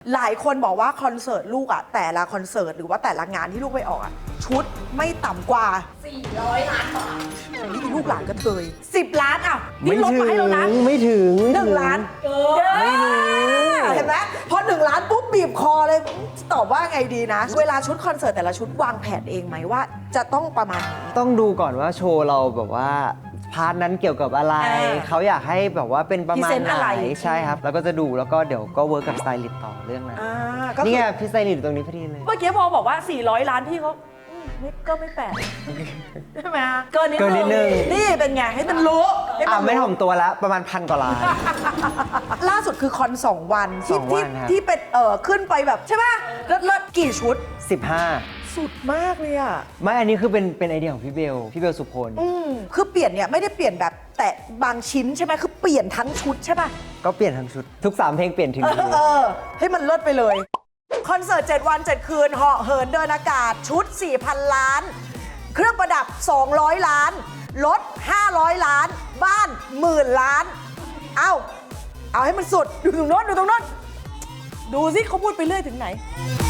หลายคนบอกว่าคอนเสิร์ตลูกอะแต่ละคอนเสิร์ตหรือว่าแต่ละงานที่ลูกไปออกอะชุดไม่ต่ำกว่า400 ล้านบาทนี่ลูกหลานกระเทย10 ล้านอ่ะนี่ลดมาให้แล้วนะไม่ถึง 1 ล้านไม่ถึงเห็นไหมพอ1 ล้านปุ๊บบีบคอเลยตอบว่าไงดีนะ เวลาชุดคอนเสิร์ตแต่ละชุดวางแผนเองไหมว่าจะต้องประมาณนี้ต้องดูก่อนว่าโชว์เราแบบว่าพาร์ทนั้นเกี่ยวกับอะไร เขาอยากให้แบบว่าเป็นประมาณ Present ไหอะไรนใช่ครับ แล้วก็จะดูแล้วก็เดี๋ยวก็เวิร์กกับสไตลิสต์ต่อเรื่องนั้นก็คือนี่ไงพี่สไตลิสต์อยู่ตรงนี้พอดีเลยเมื่อกี้พอบอกว่า400 ล้านพี่เขาก็ไม่แปลกใช่ไหมเกินนิดนึงนี่เป็นไงให้มันรู้ให้มันรู้ไม่ถ่อมตัวแล้วประมาณ1,000 กว่าล้านล่าสุดคือคอน2 วันที่ 2 วันครับที่เป็นขึ้นไปแบบใช่ไหมเลิศกี่ชุด 15 สุดมากเลยอ่ะไม่อันนี้คือเป็นไอเดียของพี่เบลสุพลคือเปลี่ยนเนี่ยไม่ได้เปลี่ยนแบบแต่บางชิ้นใช่ไหมคือเปลี่ยนทั้งชุดใช่ป่ะก็เปลี่ยนทั้งชุดทุก3เพลงเปลี่ยนถึงนี้ให้มันเลิศไปเลยคอนเสิร์ต7 วัน 7 คืนเหาะเหินเดินอากาศชุด 4,000 ล้าน เครื่องประดับ 200 ล้านรถ 500 ล้าน บ้านหมื่นล้าน เอาให้มันสุดดูตรงโน้นดูสิเขาพูดไปเรื่อยถึงไหน